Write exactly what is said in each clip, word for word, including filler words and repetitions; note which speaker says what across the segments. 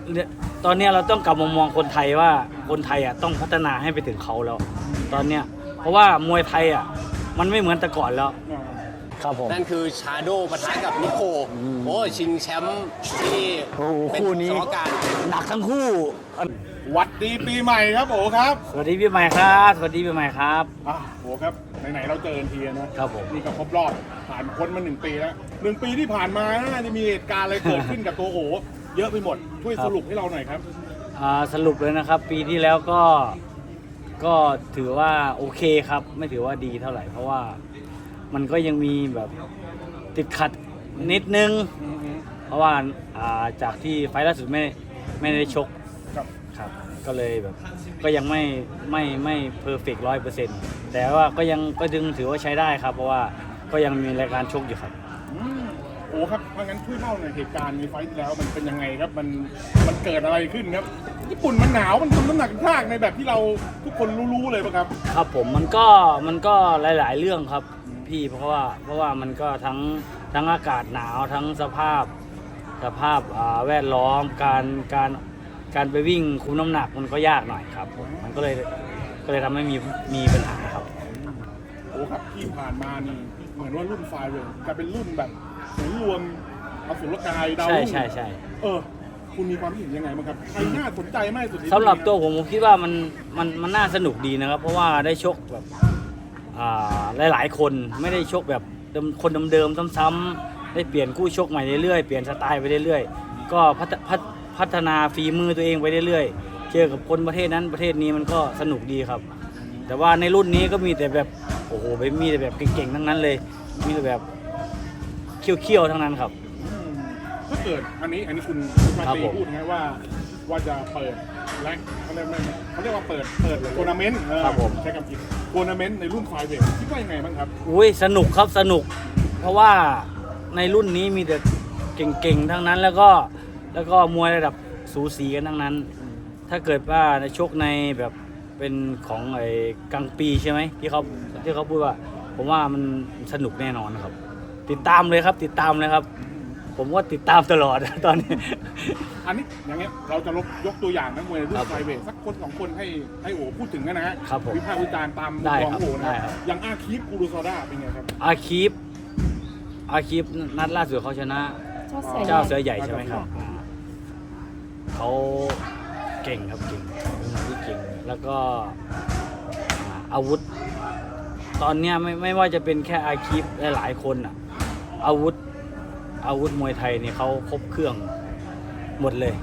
Speaker 1: ตอนนี้เราต้องกลับมามองคนไทยว่าคนไทยอ่ะต้องพัฒนาให้ไปถึงเขาแล้วตอนเนี้ยเพราะว่ามวยไทยอ่ะมันไม่เหมือนแต่ก่อนแล้วครับผม
Speaker 2: นั่นคือชาโดปะทะกับนิโคโอ้ชิงแชมป์ที่เป็น
Speaker 1: คู่นี้
Speaker 2: สมการ
Speaker 1: หนักทั้งคู่
Speaker 3: วัดดีปีใหม่ครับโอ้ครับ
Speaker 1: สวัสดีปีใหม่ครับสวัสดีปีใหม่ครับ
Speaker 3: อ่ะโอ้ครับไหนๆเราเจอกันทีนะครับ
Speaker 1: ผม
Speaker 3: นี่ก็ครบรอบผ่านพ้นมาหนึ่งปีแล้วหนึ่งปีที่ผ่านมาน่าจะมีเหตุการณ์อะไรเกิดขึ้นกับตัวโอเยอะไปหมดช่วยสรุปให้เราหน่อยครับ
Speaker 1: อ่าสรุปเลยนะครับปีที่แล้วก็ก็ถือว่าโอเคครับไม่ถือว่าดีเท่าไหร่เพราะว่ามันก็ยังมีแบบติดขัดนิดนึงเพราะว่าอ่าจากที่ไฟล์ล่าสุดไม่ไม่ได้ชกครับก็เลยแบบก็ยังไม่ไม่ไม่เพอร์เฟกต์ร้อยเปอร์เซ็นต์แต่ว่าก็ยังก็ดึงถือว่าใช้ได้ครับเพราะว่าก็ยังมีรายการชกอยู่ครับ
Speaker 3: โอ้ครับถ้างั้นช่วยเล่าหน่อยเหตุการณ์ในไฟล์ที่แล้วมันเป็นยังไงครับมันมันเกิดอะไรขึ้นครับญี่ปุ่นมันหนาวมันทำน้ำหนักยากในแบบที่เราทุกคนรู้ๆเลยป่ะครับ
Speaker 1: ครับผมมันก็มันก็หลายๆเรื่องครับพี่เพราะว่าเพราะว่ามันก็ทั้งทั้งอากาศหนาวทั้งสภาพสภาพแวดล้อมการการการไปวิ่งคุมน้ำหนักมันก็ยากหน่อยครับมันก็เลยก็เลยทำให้มีมีปัญหาครับ
Speaker 3: โอ้ครับที่ผ่านมานี่เหมือนว่ารุ่นไฟเลยจะเป็นรุ่นแบบศูนย์รวมอสุรกายดาว
Speaker 1: ใช่ใช่ใช่
Speaker 3: เออคุณมีความเห็นยังไงบ้างครับใครน่าสนใจมากสุด
Speaker 1: สำหรับตัวผมผมคิดว่ามันมันมันน่าสนุกดีนะครับเพราะว่าได้ชกแบบหลายๆคนไม่ได้ชกแบบคนเดิมๆซ้ำๆได้เปลี่ยนคู่ชกใหม่เรื่อยๆเปลี่ยนสไตล์ไปเรื่อยๆก็พัฒพัฒนาฝีมือตัวเองไปเรื่อยๆเจอกับคนประเทศนั้นประเทศนี้มันก็สนุกดีครับแต่ว่าในรุ่นนี้ก็มีแต่แบบโอ้โหมีแต่แบบเก่งๆทั้งนั้นเลยมีแต่แบบเขี้ยวๆทั้งนั้นครับ
Speaker 3: ถ้าเกิดอันนี้อันนี้คุณมาตีพูดไงว่าว่าจะเปิดแรงเขาเรียกไม่เขาเรียกว่าเปิดเปิดทัวร์นาเมนต์ใช้คำผิดทัวร์นาเมนต์ในรุ่นไฟเวทคิดว่ายังไงบ้างครับ
Speaker 1: อุ้ยสนุกครับสนุกเพราะว่าในรุ่นนี้มีแต่เก่งๆทั้งนั้นแล้วก็แล้วก็มวยระดับสูสีกันทั้งนั้นถ้าเกิดว่าในชกในแบบเป็นของไอ้กังปีใช่ไหมที่เขาที่เขาพูดว่าผมว่ามันสนุกแน่นอนครับติดตามเลยครับติดตามเลยครับผมก็ติดตามตลอดตอนนี้
Speaker 3: อันนี้อย่างเงี้ยเราจะยกตัวอย่างนักมวยรุ่นไฟเวทสักคนสองคนให้ให้โอพูดถึงนะฮะวิพากษ์วิจารณ์ตามมุมมองโอนะอย่างอาคีฟกูรูซาด้าเป็นไงครับ
Speaker 1: อาคีฟอาคีฟนัดล่าสุดเขาชนะเจ้าเสือใหญ่ใช่ไหมครับเขาเก่งครับเก่งที่เก่งแล้วก็อาวุธตอนนี้ไม่ไม่ว่าจะเป็นแค่อาคีฟหลายๆคนอ่ะอาวุธอาวุธมวยไทยนี่เขาครบเครื่องหมดเลย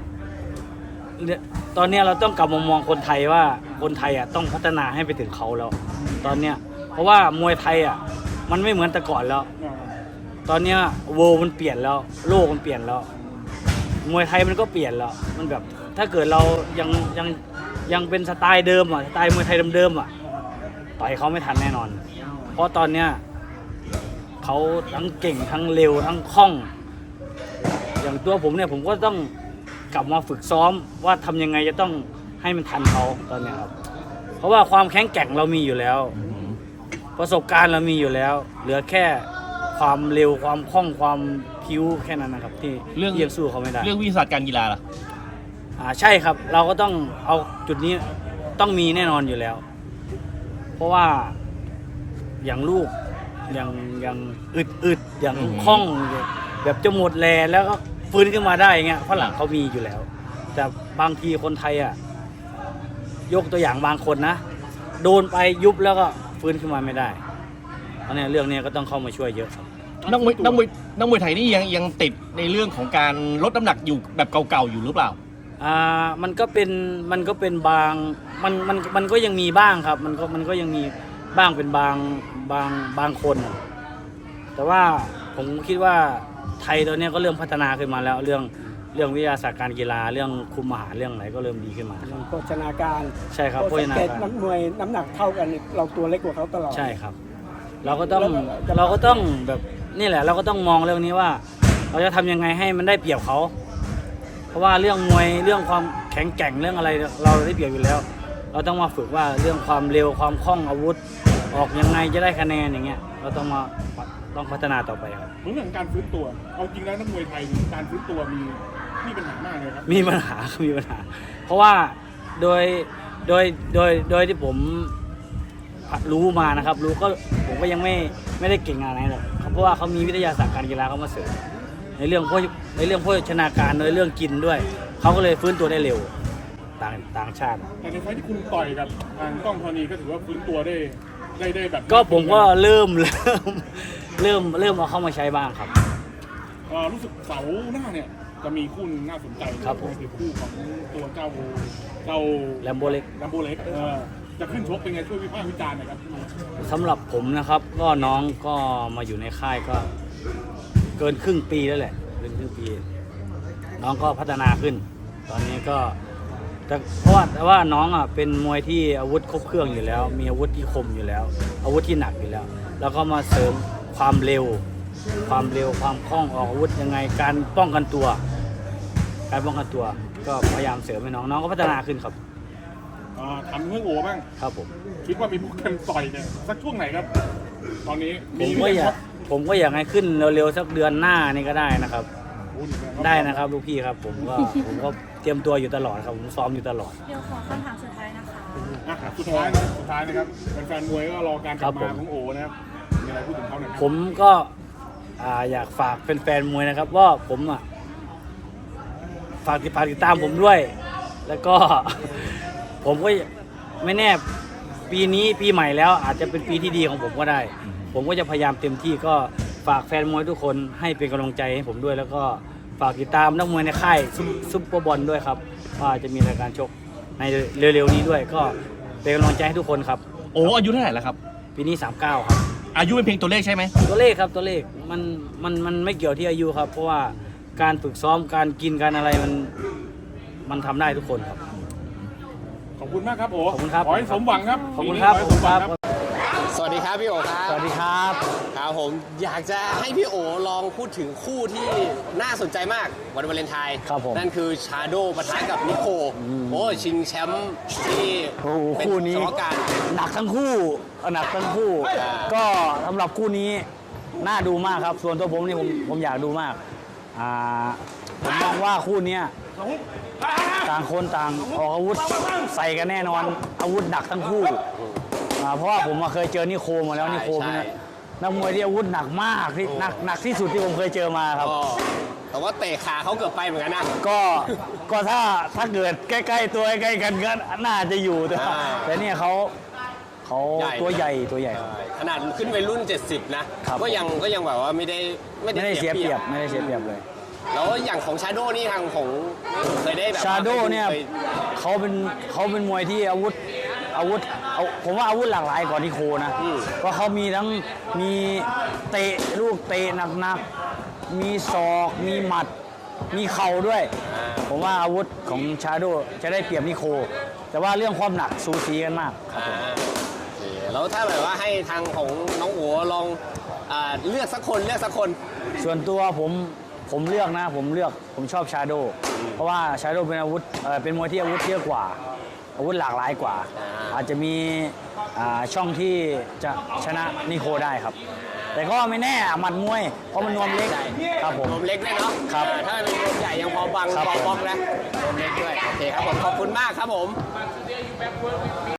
Speaker 1: ตอนนี้เราต้องกลับมามองคนไทยว่าคนไทยอ่ะต้องพัฒนาให้ไปถึงเขาแล้วตอนเนี้ยเพราะว่ามวยไทยอ่ะมันไม่เหมือนแต่ก่อนแล้วตอนเนี้ยโวมันเปลี่ยนแล้วโลกมันเปลี่ยนแล้วมวยไทยมันก็เปลี่ยนแล้วมันแบบถ้าเกิดเรายังยังยังเป็นสไตล์เดิมอ่ะสไตล์มวยไทยเดิมๆอ่ะต่อยเขาไม่ทันแน่นอนเพราะตอนเนี้ยเขาทั้งเก่งทั้งเร็วทั้งคล่องอย่างตัวผมเนี่ยผมก็ต้องกลับมาฝึกซ้อมว่าทำยังไงจะต้องให้มันทันเขาตอนนี้ครับเพราะว่าความแข็งแกร่งเรามีอยู่แล้วประสบการณ์เรามีอยู่แล้วเหลือแค่ความเร็วความคล่องความพิ้วแค่นั้นนะครับที่เรื่องยังสู้เขาไม่ได้
Speaker 2: เรื่องวิชาการกีฬาล่ะ
Speaker 1: อ่าใช่ครับเราก็ต้องเอาจุดนี้ต้องมีแน่นอนอยู่แล้วเพราะว่าอย่างลูกอย่างอย่างอึดอึดอย่างคล่องแบบจะหมดแรงแล้วก็ฟื้นขึ้นมาได้เงี้ยฝรั่งเขามีอยู่แล้วแต่บางทีคนไทยอ่ะยกตัวอย่างบางคนนะโดนไปยุบแล้วก็ฟื้นขึ้นมาไม่ได้เพราะเนี่ยเรื่องนี้ก็ต้องเข้ามาช่วยเยอะครับ
Speaker 2: นักมวยนักมวยนักมวยไทยนี่ยังยังติดในเรื่องของการลดน้ำหนักอยู่แบบเก่าๆอยู่หรือเปล่า
Speaker 1: อ่ามันก็เป็นมันก็เป็นบางมันมันมันก็ยังมีบ้างครับมันก็มันก็ยังมีบ้างเป็นบางบางบางคนแต่ว่าผมคิดว่าไทยตอนนี้ก็เริ่มพัฒนาขึ้นมาแล้วเรื่องเรื่องวิทยาศาสตร์การกีฬาเรื่องคุมอาหารเรื่องไหนก็เริ่มดีขึ้นมา
Speaker 4: โภชนาการ
Speaker 1: ใช่ครับโภชนาการ
Speaker 4: นักมวยน้ำหนักเท่ากันเราตัวเล็กกว่าเขาตลอด
Speaker 1: ใช่ครับเราก็ต้องเราก็ต้องแบบนี่แหละเราก็ต้องมองเรื่องนี้ว่าเราจะทำยังไงให้มันได้เปรียบเขาเพราะว่าเรื่องมวยเรื่องความแข็งแกร่งเรื่องอะไรเราได้เปรียบอยู่แล้วเราต้องมาฝึกว่าเรื่องความเร็วความคล่องอาวุธออกยังไงจะได้คะแนนอย่างเงี้ยเราต้องมาต้องพัฒนาต่อไปครับ
Speaker 3: เรื่องการฟื้นตัวเอาจริงแล้วนักมวยไทยการฟื้นตัวมีมีปัญหามากเลยครับ
Speaker 1: มีปัญหา มีปัญหา เพราะว่าโดยโดยโดยโดยที่ผมรู้มานะครับ รู้ก็ผมก็ยังไม่ไม่ได้เก่งอะไรหรอกเพราะว่าเขามีวิทยาศาสตร์การกีฬาเข้ามาเสริมในเรื่องพวกในเรื่องโภชนาการในเรื่องกินด้วยเขาก็เลยฟื้นตัวได้เร็วต่างต่างชาติ
Speaker 3: แต่ในไฟท์ที่คุณต่อยกับทางกล้องธรณีก็ถือว่าฟื้นตัวได้ได้ได้แบบ
Speaker 1: ก็ผมก็เริ่ม เริ่มเริ่มเริ่มเอาเข้ามาใช้บ้างครับ
Speaker 3: เอ่อรู้สึกเสาร์หน้าเนี่ยจะมีคู่หนึ่งน่าสนใจ
Speaker 1: ครับผม
Speaker 3: คือคู่ของตัวเจ้าเจ้า
Speaker 1: แลมโบเล็ก
Speaker 3: แลมโบเล็กเออจะขึ้นชกเป็นไงช่วยวิพากษ์วิจารณ์หน่อยครับ
Speaker 1: สำหรับผมนะครับ ก็น้องก็มาอยู่ในค่ายก็เกินครึ่งปีแล้วแหละเกินครึ่งปี น้องก็พัฒนาขึ้น ตอนนี้ก็แต่เพราะว่าแต่ว่าน้องอ่ะเป็นมวยที่อาวุธครบเครื่องอยู่แล้ว มีอาวุธที่คมอยู่แล้ว อาวุธที่หนักอยู่แล้ว แล้วก็มาเสริมความเร็ว ความเร็วความคล่องออกอาวุธยังไงการป้องกันตัว การป้องกันตัว ก็พยายามเสริมให้น้องน้องก็พัฒนาขึ้นครับ
Speaker 3: อ่าทำเรื่องโอบ้าง
Speaker 1: ครับผม
Speaker 3: คิดว่ามีโปรแกรมต่อยเนี่ยสักช่วงไหนครับ ตอนนี้
Speaker 1: ผมก็อยากผมก็อยากให้ขึ้นเร็วๆสักเดือนหน้านี่ก็ได้นะครับ ได้นะครับลูกพี่ครับ ผมก็ผมก็เตรียมตัวอยู่ตลอดครับผมซ้อมอยู่ตลอด
Speaker 5: เดี๋ยวขอคำถามสุดท้ายนะคะ
Speaker 3: อ่ะสุดท้ายนะสุดท้ายนะครับแฟนๆมวยก็รอการกลับ
Speaker 1: ครับผม
Speaker 3: มาของโอนะครับมีอะไรพูดถึงเขาหน่อยครับ
Speaker 1: ผมก็อ่าอยากฝากแฟนๆมวยนะครับว่าผมอ่ะฝากติดฝากติดตามผมด้วย แล้วก็ ผมก็ไม่แน่ปีนี้ปีใหม่แล้วอาจจะเป็นปีที่ดีของผมก็ได้ ผมก็จะพยายามเต็มที่ก็ฝากแฟนมวยทุกคนให้เป็นกำลังใจให้ผมด้วย แล้วก็ฝากติดตามนักมวยในค่ายซุปซุปเปอร์บอลด้วยครับว่าจะมีรายการชกในเร็วๆนี้ด้วย ก็เป็นกำลังใจให้ทุกคนครับ
Speaker 2: โอ้อายุเท่าไหร่แล้วครับ
Speaker 1: ปีนี้สามสิบเก้าครับ
Speaker 2: อายุเป็นเพียงตัวเลขใช่ไหม
Speaker 1: ตัวเลขครับตัวเลขมันมันมันไม่เกี่ยวที่อายุครับ เพราะว่าการฝึกซ้อมการกินการอะไรมันมันทำได้ทุกคนครับ
Speaker 3: ขอบคุณมากครับโอ
Speaker 1: ขอบคุณครับ
Speaker 3: ขอให้สมหวังครับ
Speaker 1: ขอบคุณครับ
Speaker 3: ปี
Speaker 1: ขอบ
Speaker 3: นี้
Speaker 1: คุณ
Speaker 3: ข
Speaker 1: ค
Speaker 3: อ
Speaker 1: รั
Speaker 3: ให้
Speaker 1: บ
Speaker 3: สมหวัง
Speaker 6: สวัสดีครับพี่โอครับ
Speaker 1: สวัสดีครับ
Speaker 6: ครับผมอยากจะให้พี่โอลองพูดถึงคู่ที่น่าสนใจมากวันวาเลนไทน์
Speaker 1: ครับผม
Speaker 6: นั่นคือชาโดปะทะกับนิโคโอ้ชิงแชมป์ที่
Speaker 1: โอ้โห
Speaker 6: เป็น
Speaker 1: คู่นี้
Speaker 6: สมการ
Speaker 1: หนักทั้งคู่หนักทั้งคู่
Speaker 6: อ่า
Speaker 1: ก็สำหรับคู่นี้น่าดูมากครับ ส่วนตัวผมนี่ผมผมอยากดูมากอ่าผมมองว่าคู่เนี้ยต่างคนต่างออกอาวุธใส่กันแน่นอนอาวุธหนักทั้งคู่อ่าเพราะว่าผมมาเคยเจอนิโคมาแล้วนิโคเป็นนักมวยที่อาวุธหนักมากที่หนักหนักที่สุดที่ผมเคยเจอมาครับ
Speaker 6: ก็แต่ว่าเตะขาเขาเกือบไปเหมือนกันนะ
Speaker 1: ก็ก็ถ้าถ้าเกิดใกล้ๆตัวใกล้ๆกันก็น่าจะอยู่แต่ว่า
Speaker 6: อ่า
Speaker 1: แต่เนี่ยเขาเขา
Speaker 6: ใหญ่
Speaker 1: ตัวใหญ่ตัวใหญ่ครับ
Speaker 6: ขนาดขึ้นไปรุ่น เจ็ดสิบ นะครับ ก็ยังก็ยังแบบว่าไม่ได้ไม่
Speaker 1: ไม่ได้เสียเปรียบไม่ได้เสียเปรียบเลย
Speaker 6: แล้วอย่างของชาโดนี่ทางของเคยได้แบบ
Speaker 1: ชาโดเนี่ย
Speaker 6: ค
Speaker 1: เขาเป็นเขาเป็นมวยที่อาวุธอาวุธเอาผมว่าอาวุธหลากหลายกว่านิโคนะ
Speaker 6: อืม
Speaker 1: เพราะเขามีทั้งมีเตะลูกเตะหนักๆมีศอกมีหมัดมีเข่าด้วย
Speaker 6: อ่า
Speaker 1: ผมว่าอาวุธของชาโดจะได้เปรียบนิโค แต่ว่าเรื่องความหนักสูสีกันมาก
Speaker 6: อ่าโอเคแล้วถ้าแบบว่าให้ทางของน้องโอ๋ลองอ่าเลือกสักคนเลือกสักคน
Speaker 1: ส่วนตัวผมผมเลือกนะผมเลือกผมชอบชาโดเพราะว่าชาโดเป็นอาวุธเอ่อเป็นมวยที่อาวุธเยอะกว่า อาวุธหลากหลายกว่า อาจจะมีอ่าช่องที่จะชนะนิโคได้ครับ แต่ก็ไม่แน่หมัดมวยเพราะมันนวมเล็กครับผม
Speaker 6: นมเล็กด้วยเนาะ
Speaker 1: ครับ
Speaker 6: อ่าถ้าเป็นนมใหญ่ยังพอบัง
Speaker 1: ครับ
Speaker 6: พอบล็อกนะนมเล็กด้วยโอเคครับผมขอบคุณมากครับผม